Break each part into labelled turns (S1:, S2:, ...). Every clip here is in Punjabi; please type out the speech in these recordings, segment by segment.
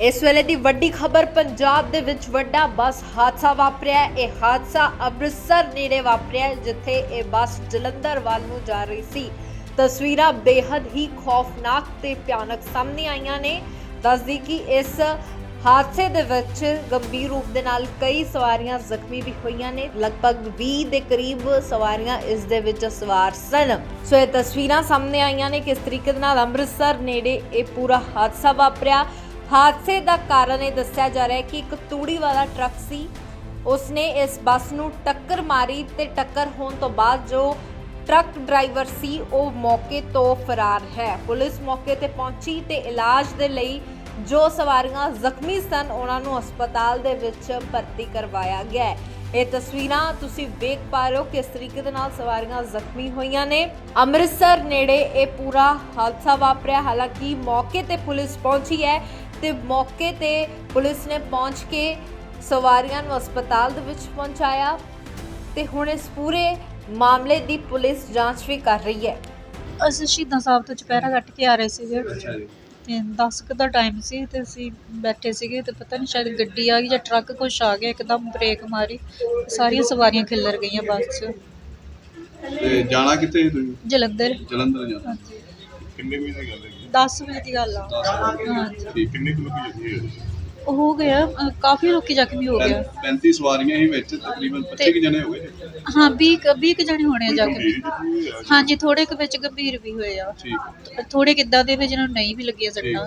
S1: इस वेले दी वड्डी खबर पंजाब दे विच वड्डा बस हादसा वापरिया है। यह हादसा अमृतसर नेड़े वापरिया है, जिथे यह बस जलंधर वाल नूं जा रही सी। तस्वीरां बेहद ही खौफनाक ते भयानक सामने आईयां ने। दस दी कि इस हादसे दे विच गंभीर रूप दे नाल कई सवारियां जख्मी भी होईयां ने। लगभग 20 दे करीब सवारियां इस दे विच सवार सन। सो ये तस्वीरां सामने आईयां ने किस तरीके दे नाल अमृतसर नेड़े ये पूरा हादसा वापरिया। हादसे का कारण ये दस्सिया जा रहा है कि एक तूड़ी वाला ट्रक सी, उसने इस बस नूं टक्कर मारी ते टक्कर होने तो बाद जो ट्रक ड्राइवर सी वो मौके तो फरार है। पुलिस मौके ते पहुंची ते इलाज दे लई जो सवारियां जख्मी सन उन्हां नूं हस्पताल दे विच भर्ती करवाया गया है। ये तस्वीरां तुसीं वेख पा रहे हो किस तरीके दे नाल सवारियां जख्मी होईयां ने। अमृतसर नेड़े ये पूरा हादसा वापरिया। हालांकि मौके ते पुलिस पहुंची है ते मौके ते पुलिस ने पहुंच के सवारियां नूं हस्पताल दे विच पहुंचाया ते हुण इस पूरे मामले दी पुलिस जांच भी कर रही है।
S2: ਅਸੀਂ ਸ਼ਹੀਦਾਂ ਸਾਹਿਬ ਤੋਂ ਚੁਪਹਿਰਾ ਕੱਟ ਕੇ ਆ ਰਹੇ ਸੀਗੇ ਤੇ 10 ਕੁ ਦਾ ਟਾਈਮ ਸੀ ਤੇ ਅਸੀਂ ਬੈਠੇ ਸੀਗੇ ਤੇ ਪਤਾ ਨਹੀਂ ਸ਼ਾਇਦ ਗੱਡੀ ਆ ਗਈ ਜਾਂ ਟਰੱਕ ਕੁਛ ਆ ਗਿਆ, ਇੱਕਦਮ ਬ੍ਰੇਕ ਮਾਰੀ, ਸਾਰੀਆਂ ਸਵਾਰੀਆਂ ਖਿੱਲਰ ਗਈਆਂ ਬੱਸ 'ਚ।
S3: ਤੇ ਜਾਣਾ ਕਿੱਥੇ ਸੀ ਤੁਸੀਂ?
S2: ਜਲੰਧਰ।
S3: ਜਲੰਧਰ ਜਾਣਾ।
S2: ਹਾਂਜੀ,
S3: ਕਿੰਨੇ ਵਜੇ ਦੀ ਗੱਲ ਹੈ?
S2: 10 ਵਜੇ ਦੀ ਗੱਲ ਆ।
S3: 10 ਵਜੇ।
S2: ਹਾਂਜੀ,
S3: ਠੀਕ, ਕਿੰਨੇ ਕੁ ਲੋਕੀ ਜਖਮੀ ਹੋਏ?
S2: ਉਹ ਹੋ ਗਿਆ ਕਾਫੀ ਲੋਕੀ ਜ਼ਖਮੀ ਹੋ ਗਿਆ।
S3: 35 ਸਵਾਰੀਆਂ ਹੀ ਵਿੱਚ, ਤਕਰੀਬਨ 25 ਕੁ ਜਣੇ ਹੋ ਗਏ।
S2: ਹਾਂ 20 ਕੁ ਜਣੇ ਹੋਣੇ ਆ ਜ਼ਖਮੀ।
S3: ਗੰਭੀਰ ਜ਼ਖਮੀ ਹੋਏ ਆ?
S2: ਹਾਂਜੀ, ਥੋੜੇ ਕੁ ਵਿੱਚ ਗੰਭੀਰ ਵੀ ਹੋਏ ਆ,
S3: ਠੀਕ।
S2: ਥੋੜੇ ਕਿੱਦਾਂ ਦੇ ਵੀ ਜਿਹਨਾਂ ਨੂੰ ਨਹੀਂ ਵੀ ਲੱਗੀਆਂ ਸੱਟਾਂ।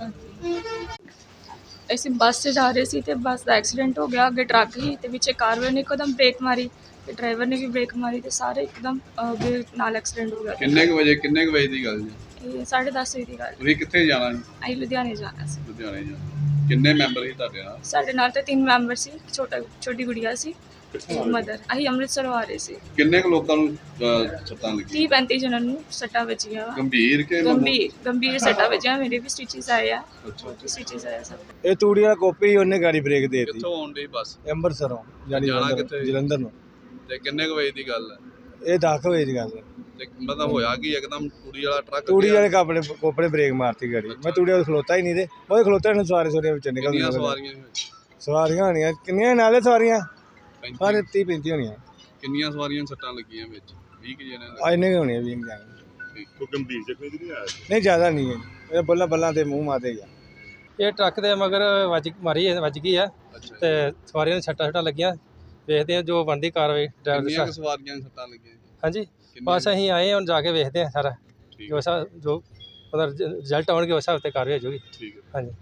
S4: ਅਸੀਂ ਬੱਸ 'ਚ ਜਾ ਰਹੇ ਸੀ ਤੇ ਬੱਸ ਦਾ ਐਕਸੀਡੈਂਟ ਹੋ ਗਿਆ। ਅੱਗੇ ਟਰੱਕ ਸੀ ਤੇ ਵਿੱਚ ਕਾਰ ਵਾਲੇ ਨੇ ਇੱਕਦਮ ਬ੍ਰੇਕ ਮਾਰੀ ਤੇ ਡਰਾਈਵਰ ਨੇ ਵੀ ਬ੍ਰੇਕ ਮਾਰੀ ਤੇ ਸਾਰੇ ਇੱਕਦਮ ਅੱਗੇ ਨਾਲ ਐਕਸੀਡੈਂਟ ਹੋ ਗਿਆ।
S3: ਕਿੰਨੇ ਕੁ ਵਜੇ ਦੀ ਗੱਲ ਜੀ?
S4: ਇਹ 10:30 ਵਜੇ ਦੀ ਗੱਲ।
S3: ਤੁਸੀਂ ਕਿੱਥੇ ਜਾਣਾ ਸੀ?
S4: ਅਸੀਂ ਲੁਧਿਆਣੇ ਜਾਣਾ ਸੀ।
S3: ਲੁਧਿਆਣੇ ਜਾਣਾ। ਕਿੰਨੇ ਮੈਂਬਰ ਸੀ ਤੁਹਾਡੇ ਨਾਲ?
S4: ਸਾਡੇ ਨਾਲ ਤੇ 3 ਮੈਂਬਰ ਸੀ, ਛੋਟੀ ਗੁੜੀਆ ਸੀ, ਮਦਰ। ਅਸੀਂ ਅੰਮ੍ਰਿਤਸਰੋਂ ਆ ਰਹੇ ਸੀ।
S3: ਕਿੰਨੇ ਕੁ ਲੋਕਾਂ ਨੂੰ ਸੱਟਾਂ ਲੱਗੀਆਂ?
S4: 30-35 ਜਣਾਂ ਨੂੰ ਸੱਟਾਂ ਵੱਜੀਆਂ ਵਾ।
S3: ਗੰਭੀਰ ਕਿ
S4: ਗੰਭੀਰ ਸੱਟਾਂ ਵੱਜੀਆਂ। ਮੇਰੇ ਵੀ ਸਟਿਚਸ ਆਏ ਆ।
S3: ਅੱਛਾ।
S4: ਸਟਿਚਸ ਆਏ ਆ ਸਭ।
S5: ਇਹ ਤੂੜੀ ਵਾਲਾ ਕੋਪੀ ਉਹਨੇ ਗਾੜੀ ਬ੍ਰੇਕ ਦੇ ਦਿੱਤੀ
S3: ਕਿੱਥੋਂ ਆਉਣ ਡਈ ਬੱਸ?
S5: ਅੰਮ੍ਰਿਤਸਰੋਂ ਜਾਨੀ
S3: ਜਾਣਾ ਕਿੱਥੇ?
S5: ਜਲੰਧਰ ਨੂੰ।
S3: ਤੇ ਕਿੰਨੇ ਕੁ ਵਜੇ ਦੀ ਗੱਲ ਹੈ?
S5: ਇਹ 10 ਵਜੇ ਦੀ ਗੱਲ ਹੈ।
S3: ਤੇ ਮਤਲਬ ਹੋਇਆ ਕਿ ਇੱਕਦਮ ਤੂੜੀ ਵਾਲਾ ਟਰੱਕ
S5: ਤੂੜੀ
S3: ਗਿਆ?
S5: ਵਾਲੇ ਕੋਪੜੇ ਬ੍ਰੇਕ ਮਾਰਤੀ ਗਾੜੀ। ਮੈਂ ਤੂੜੀ ਵਾਲੇ ਖਲੋਤਾ ਹੀ ਨਹੀਂ ਤੇ ਉਹਦੇ ਖਲੋਤੇ ਨੇ ਸਵਾਰੀਆਂ ਵਿੱਚ ਨਿਕਲ
S3: ਕਿੰਨੀਆਂ
S5: ਗਈਆਂ।
S3: ਸਵਾਰੀਆਂ ਸੀ?
S5: ਸਵਾਰੀਆਂ ਹੋਣੀਆਂ ਕਿੰਨੀਆਂ ਨਾਲੇ ਸਵਾਰੀਆਂ?
S3: 35?
S5: ਸਾਰੇ 30-35 ਹੋਣੀਆਂ।
S3: ਕਿੰਨੀਆਂ ਸਵਾਰੀਆਂ ਸੱਟਾਂ ਲੱਗੀਆਂ ਵਿੱਚ? 20 ਕੁ ਜਣੇ
S5: ਆ ਇੰਨੇ ਕੁ ਹੋਣੀਆਂ ਵੀ ਨਹੀਂ ਜਾਣਗੇ।
S3: ਕੋਈ ਗੰਭੀਰ ਜ਼ਖਮੀ ਨਹੀਂ ਆਇਆ?
S5: ਨਹੀਂ ਜ਼ਿਆਦਾ ਨਹੀਂ ਹੈ, ਇਹ ਬੱਲਾਂ ਤੇ ਮੂੰਹ ਮਾਰਦੇ ਗਿਆ।
S6: ਇਹ ਟਰੱਕ ਦੇ ਮਗਰ ਵੱਜ ਗਈ ਆ
S3: ਅੱਛਾ।
S6: ਤੇ ਸਵਾਰੀਆਂ ਨੂੰ ਛੱਟਾਂ ਲੱਗੀਆਂ। ਵੇਖਦੇ ਆ ਜੋ ਬਣਦੀ ਕਾਰਵਾਈ ਡਰਾਈਵਰ
S3: ਕਿੰਨੀਆਂ ਕੁ
S6: ਦੀ।
S3: ਸਵਾਰੀਆਂ ਨੂੰ ਸੱਟਾਂ ਲੱਗੀਆਂ?
S6: ਹਾਂਜੀ, ਬਸ ਅਸੀਂ ਆਏ ਹਾਂ, ਹੁਣ ਜਾ ਕੇ ਵੇਖਦੇ ਆ ਸਾਰਾ
S3: ਠੀਕ
S6: ਜੋ ਉਹਦਾ ਰਿਜ਼ਲਟ ਆਉਣਗੇ ਉਸ ਹਿਸਾਬ ਤੇ ਕਾਰਵਾਈ ਹੋ ਜਾਊਗੀ।
S3: ਠੀਕ ਹੈ।
S6: ਹਾਂਜੀ।